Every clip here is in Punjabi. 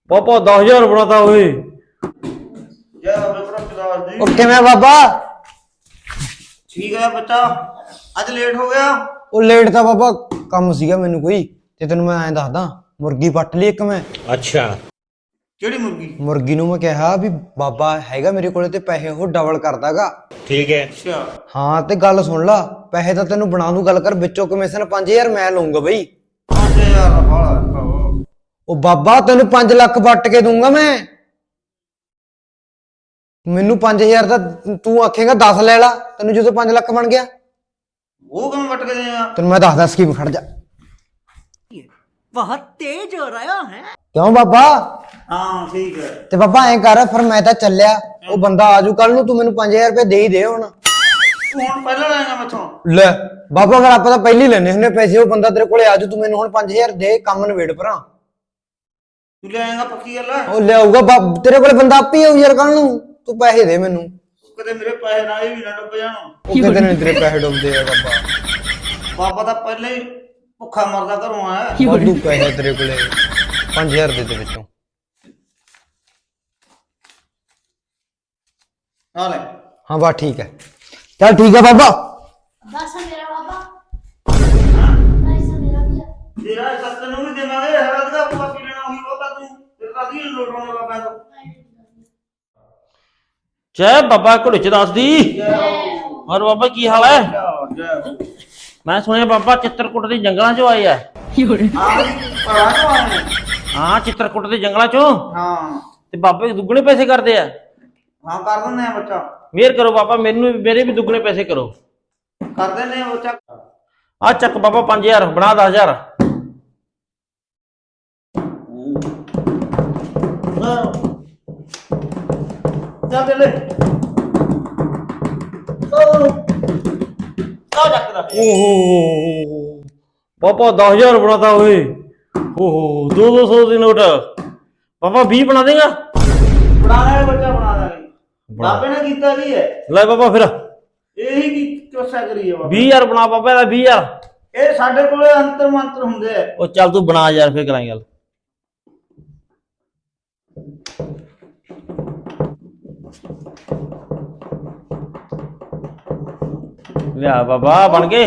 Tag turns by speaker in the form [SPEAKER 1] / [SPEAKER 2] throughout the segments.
[SPEAKER 1] पापा 10,000 बनाता हुए
[SPEAKER 2] किवें बाबा?
[SPEAKER 3] ठीक है बच्चा, अज लेट हो गया।
[SPEAKER 2] ਉਹ ਲੇਟ ਤਾਂ ਬਾਬਾ ਕੰਮ ਸੀਗਾ ਮੈਨੂੰ ਕੋਈ ਤੇ ਤੈਨੂੰ ਮੈਂ ਐਂ ਦੱਸਦਾ ਮੁਰਗੀ ਪੱਟ ਲਈ ਇੱਕ ਮੈਂ।
[SPEAKER 1] अच्छा
[SPEAKER 3] केड़ी मुर्गी?
[SPEAKER 2] ਮੁਰਗੀ ਨੂੰ ਮੈਂ ਕਿਹਾ ਵੀ ਬਾਬਾ ਹੈਗਾ ਮੇਰੇ ਕੋਲੇ ਤੇ ਪੈਸੇ ਉਹ ਡਬਲ ਕਰਦਾਗਾ।
[SPEAKER 1] ठीक है
[SPEAKER 3] अच्छा
[SPEAKER 2] ਹਾਂ ਤੇ ਗੱਲ ਸੁਣ ਲਾ, ਪੈਸੇ ਤਾਂ ਤੈਨੂੰ ਬਣਾ ਦੂੰ ਗੱਲ ਕਰ, ਵਿੱਚੋਂ ਕਮਿਸ਼ਨ 5000 ਮੈਂ ਲਊਂਗਾ ਬਈ।
[SPEAKER 3] 5000 ਦਾ ਭਾੜਾ।
[SPEAKER 2] ਉਹ ਬਾਬਾ ਤੈਨੂੰ 5 ਲੱਖ ਵੱਟ ਕੇ ਦੂੰਗਾ ਮੈਂ। ਮੈਨੂੰ 5000 ਦਾ ਤੂੰ ਆਖੇਗਾ 10 ਲੈ ਲਾ, ਤੈਨੂੰ ਜਦੋਂ 5 ਲੱਖ ਬਣ ਗਿਆ
[SPEAKER 3] वो कम वट के देगा।
[SPEAKER 2] ਤੈਨੂੰ ਮੈਂ ਦੱਸਦਾ ਸਕੀਮ, ਖੜ ਜਾ।
[SPEAKER 4] बहुत तेज हो रहा है।
[SPEAKER 2] ਕਿਉਂ ਬਾਬਾ?
[SPEAKER 3] हाँ ठीक है।
[SPEAKER 2] ਤੇ ਬਾਬਾ ਐਂ ਕਰ, ਫਿਰ ਮੈਂ ਤਾਂ ਚੱਲਿਆ, ਉਹ ਬੰਦਾ ਆਜੂ ਕੱਲ ਨੂੰ, ਤੂੰ ਮੈਨੂੰ 5000 ਰੁਪਏ ਦੇ ਹੀ ਦੇ ਹੁਣ।
[SPEAKER 3] तू हुण पहले लेगा मैथों?
[SPEAKER 2] ਲੈ ਬਾਬਾ ਫਿਰ ਆਪਾਂ ਤਾਂ ਪਹਿਲੀ ਲੈਣੇ ਹੁੰਦੇ ਪੈਸੇ, ਉਹ ਬੰਦਾ ਤੇਰੇ ਕੋਲੇ ਆਜੂ, ਤੂੰ ਮੈਨੂੰ ਹੁਣ 5000 ਦੇ, ਕੰਮ ਨਵੇੜ ਭਰਾ।
[SPEAKER 3] तू ले आएगा पक्की गल है?
[SPEAKER 2] ਉਹ ਲਿਆਊਗਾ ਤੇਰੇ ਕੋਲੇ ਬੰਦਾ ਆਪੇ ਆਊ ਯਾਰ ਕੱਲ ਨੂੰ, ਤੂੰ ਪੈਸੇ ਦੇ ਮੈਨੂੰ।
[SPEAKER 3] कदे मेरे पैसे ना भी ना डुब जाण।
[SPEAKER 2] ਉਹ ਕਿਤੇ ਨਹੀਂ ਤੇਰੇ ਪੈਸੇ ਡੁੱਬਦੇ ਆ ਬਾਬਾ।
[SPEAKER 3] बाबा तो पहले ही भुखा मरदा घरों आया।
[SPEAKER 2] ਵਾਧੂ ਪੈਸੇ ਤੇਰੇ ਕੋਲੇ 5000 ਦੇ ਵਿੱਚੋਂ।
[SPEAKER 3] ना ले
[SPEAKER 2] ਹਾਂ ਬਾ ਠੀਕ ਹੈ, ਚੱਲ ਠੀਕ ਹੈ ਬਾਬਾ।
[SPEAKER 5] बस मेरा बाबा पैसा मेरा भी है।
[SPEAKER 3] तेरा सत्त नु भी देवांगे, हरद का पूरा पी लेना होगी वो का तू तेरे का दी लोड होने लगा पैसा।
[SPEAKER 1] जय बाबा घुड़चदास दी। और बाबा की हाल है? मैं सुनिया बाबा चित्रकूट के जंगलों चो आए है।
[SPEAKER 3] पढ़ा तो आए।
[SPEAKER 1] हाँ चित्रकूट के जंगलों चो
[SPEAKER 3] हाँ
[SPEAKER 1] ते बाबे दुगने पैसे करते हैं।
[SPEAKER 3] हाँ कर देने हैं बच्चा,
[SPEAKER 1] मेहर करो बाबा, मेरे भी दुगने पैसे करो।
[SPEAKER 3] कर देने हैं बच्चा।
[SPEAKER 1] आ चक बाबा 5000 बना 10,000।
[SPEAKER 3] चल दे ले।
[SPEAKER 1] ओहो पापा 10,000 बनाता हुए। ओहो 200 के नोट। पापा 20 बना देगा?
[SPEAKER 3] बना देंगे बच्चा, बना देंगे। बाबे ने कीता की है?
[SPEAKER 1] ले बाबा फिर
[SPEAKER 3] यही की कोशिश करी है बाबा।
[SPEAKER 1] 20,000 बना बाबा 20,000।
[SPEAKER 3] ਇਹ ਸਾਡੇ ਕੋਲੇ ਅੰਤਰ ਮੰਤਰ ਹੁੰਦੇ ਆ।
[SPEAKER 1] ਉਹ ਚੱਲ ਤੂੰ ਬਣਾ ਯਾਰ, ਫਿਰ ਕਰਾਂਗੇ ਗੱਲ। ਲਿਆ ਬਾਬਾ ਬਣ ਗਏ।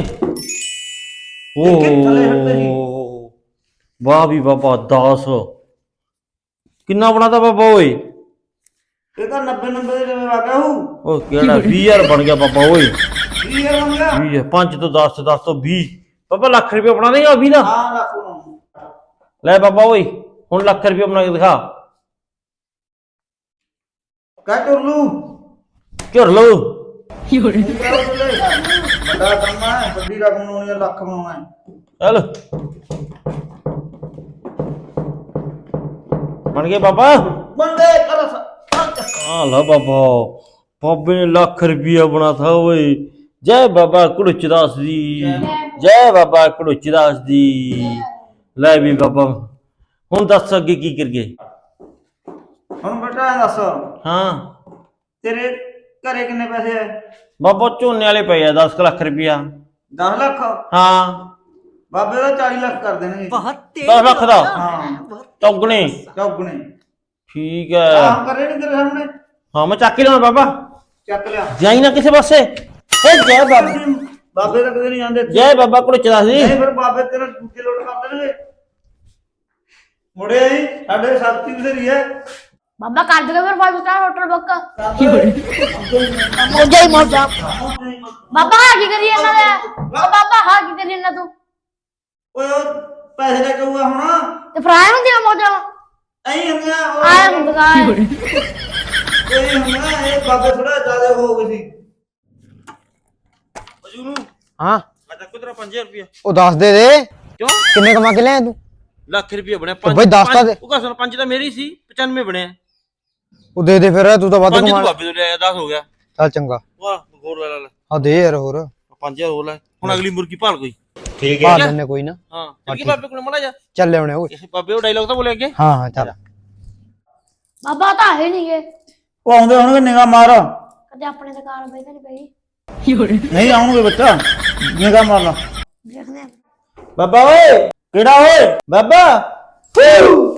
[SPEAKER 1] ਓ ਵਾਹ ਵੀ ਬਾਬਾ 10 ਕਿੰਨਾ ਬਣਾਤਾ ਬਾਬਾ ਓਏ?
[SPEAKER 3] ਇਹ ਤਾਂ 90 ਦੇ ਜਿਵੇਂ ਵਾਕਿਆ ਹੂ।
[SPEAKER 1] ਉਹ ਕਿਹੜਾ 20,000 ਬਣ ਗਿਆ ਬਾਬਾ ਓਏ।
[SPEAKER 3] 20 ਬਣ ਗਿਆ।
[SPEAKER 1] 20 5 ਤੋਂ 10 10 ਤੋਂ 20 ਬਾਬਾ ਲੱਖ ਰੁਪਏ ਬਣਾ ਦੇਗਾ 20 ਦਾ?
[SPEAKER 3] ਹਾਂ ਰੱਖ ਲਓ।
[SPEAKER 1] ਲੈ ਬਾਬਾ ਓਏ ਹੁਣ ਲੱਖ ਰੁਪਏ ਬਣਾ ਕੇ ਦਿਖਾ।
[SPEAKER 3] ਕਹਿ ਟੁਰਲੂ
[SPEAKER 1] ਝੁਰ ਲਓ।
[SPEAKER 3] ਵੱਡਾ ਕੰਮ ਹੈ, ਵੱਡੀ ਰਕਮ ਬਣਾਉਣੀ ਹੈ, ਲੱਖ ਬਣਾਉਣਾ ਹੈ।
[SPEAKER 1] ਚੱਲ ਬਣ ਗਏ ਬਾਬਾ।
[SPEAKER 3] ਬੰਦੇ ਕਰ
[SPEAKER 1] ਆ ਲਾ ਬਾਬਾ, ਬਾਬੇ ਨੇ ਲੱਖ ਰੁਪਇਆ ਬਣਾਤਾ ਓਏ। ਜੈ ਬਾਬਾ ਘੁੜਚਦਾਸ ਦੀ, ਜੈ ਬਾਬਾ ਘੁੜਚਦਾਸ ਦੀ। ਲੈ ਵੀ ਬਾਬਾ ਹੁਣ ਦੱਸ ਅੱਗੇ ਕੀ ਕਰੀਏ?
[SPEAKER 3] ਹੁਣ ਬੇਟਾ ਇਹ ਦੱਸ,
[SPEAKER 1] ਹਾਂ
[SPEAKER 3] ਤੇਰੇ ਘਰੇ ਕਿੰਨੇ ਪੈਸੇ ਹੈ?
[SPEAKER 1] ਬਾਬਾ ਝੋਨੇ ਵਾਲੇ ਪਏ ਆ 10 ਲੱਖ ਰੁਪਇਆ।
[SPEAKER 3] 10 ਲੱਖ?
[SPEAKER 1] ਹਾਂ
[SPEAKER 3] ਬਾਬੇ ਦਾ 40 ਲੱਖ ਕਰ ਦੇਣਗੇ।
[SPEAKER 4] बहुत तेज
[SPEAKER 1] 10 ਲੱਖ ਦਾ
[SPEAKER 3] ਹਾਂ
[SPEAKER 1] ਚੌਗਣੇ।
[SPEAKER 3] ਚੌਗਣੇ।
[SPEAKER 1] ਠੀਕ ਹੈ
[SPEAKER 3] ਆਹ ਕਰੇ ਨਹੀਂ ਤੇਰੇ ਸਾਹਮਣੇ।
[SPEAKER 1] ਹਾਂ ਮੈਂ ਚੱਕ ਹੀ ਲਿਆਉਣਾ ਬਾਬਾ।
[SPEAKER 3] ਚੱਕ ਲਿਆ।
[SPEAKER 1] ਜਾਈ ਨਾ ਕਿਸੇ ਪਾਸੇ। ਏ ਜੈ ਬਾਬਾ,
[SPEAKER 3] ਬਾਬੇ ਤਾਂ ਕਦੇ ਨਹੀਂ ਜਾਂਦੇ।
[SPEAKER 1] ਜੈ ਬਾਬਾ ਘੁੜਚਦਾਸ ਦੀ।
[SPEAKER 3] ਨਹੀਂ ਫਿਰ ਬਾਬੇ ਤੇਰਾ ਦੂਜੇ ਲੋਟ ਕਰ ਦੇਣਗੇ। ਮੁੜੇ ਆਈ ਸਾਡੇ ਸ਼ਕਤੀ ਬਥੇਰੀ ਹੈ।
[SPEAKER 5] बाबा कर देगा फिर 5 स्टार होटल बुक।
[SPEAKER 4] मौजा ही मौजा।
[SPEAKER 5] बाबा हाँ की करिए ना ले। बाबा हाँ की करिए ना तू
[SPEAKER 3] ਓਏ ਉਹ ਪੈਸੇ ਲੈ ਕੇ ਆਊਗਾ ਹੁਣ।
[SPEAKER 5] ते फ्राई होंदी है मौजा
[SPEAKER 3] ਐਂ ਹੁੰਦੀਆਂ
[SPEAKER 5] आया हुंदा है।
[SPEAKER 3] ਇਹ ਹੁੰਦਾ ਇਹ ਬਾਬੇ ਥੋੜਾ ਜ਼ਿਆਦਾ ਹੋ ਗਏ ਸੀ।
[SPEAKER 1] ਅਜੂਰੂ
[SPEAKER 2] ਹਾਂ
[SPEAKER 1] ਆ ਚੱਕੋ ਤੇਰਾ 5000 ਰੁਪਇਆ।
[SPEAKER 2] ਉਹ ਦੱਸ ਦੇ ਦੇ
[SPEAKER 1] ਕਿਉਂ?
[SPEAKER 2] ਕਿੰਨੇ ਕਮਾ ਕੇ ਲਿਆ ਤੂੰ?
[SPEAKER 1] ਲੱਖ ਰੁਪਇਆ ਬਣਿਆ।
[SPEAKER 2] ਉਹ ਬਈ ਦੱਸ ਤਾਂ ਦੇ।
[SPEAKER 1] ਉਹ ਕਸਨ 5 ਤਾਂ ਮੇਰੀ ਸੀ, 95 ਬਣਿਆ।
[SPEAKER 2] ਉਹ ਦੇ ਦੇ ਫਿਰ, ਤੂੰ ਤਾਂ ਵੱਧ
[SPEAKER 1] 5
[SPEAKER 2] ਕਮਾ।
[SPEAKER 1] ਤੂੰ ਬਾਬੇ ਤੋਂ ਲਿਆ 10 ਹੋ ਗਿਆ।
[SPEAKER 2] ਚੱਲ ਚੰਗਾ,
[SPEAKER 1] ਵਾਹ ਹੋਰ ਲੈ ਲੈ
[SPEAKER 2] ਆ ਦੇ ਯਾਰ ਹੋਰ
[SPEAKER 1] 5000 ਹੋਰ ਲੈ। ਹੁਣ ਅਗਲੀ ਮੁਰਗੀ ਭਾਲ ਕੋਈ। ਠੀਕ
[SPEAKER 2] ਪਾ ਲੈਣੇ ਕੋਈ ਨਾ।
[SPEAKER 1] ਹਾਂ ਚੱਲ ਕੀ ਬਾਬੇ ਕੋਲ ਮੜਾ ਜਾ।
[SPEAKER 2] ਚੱਲ ਲਿਆਉਣੇ ਓਏ।
[SPEAKER 1] ਇਹ ਬਾਬੇ ਉਹ ਡਾਇਲੌਗ ਤਾਂ ਬੋਲੇ ਅੱਗੇ।
[SPEAKER 2] ਹਾਂ ਹਾਂ ਚੱਲ।
[SPEAKER 5] बाबा तो है नहीं है
[SPEAKER 3] ਉਹ ਆਉਂਦੇ ਹੋਣਗੇ ਨਿਗਾਹ ਮਾਰ।
[SPEAKER 5] कदे अपने से कार भाई नहीं भाई
[SPEAKER 3] ਨਹੀਂ ਆਉਣਗੇ ਬੱਚਾ, ਨਿਗਾਹ ਮਾਰ ਲਾ।
[SPEAKER 5] देखने
[SPEAKER 1] ਬਾਬਾ ਓਏ ਕਿਹੜਾ ਓਏ ਬਾਬਾ।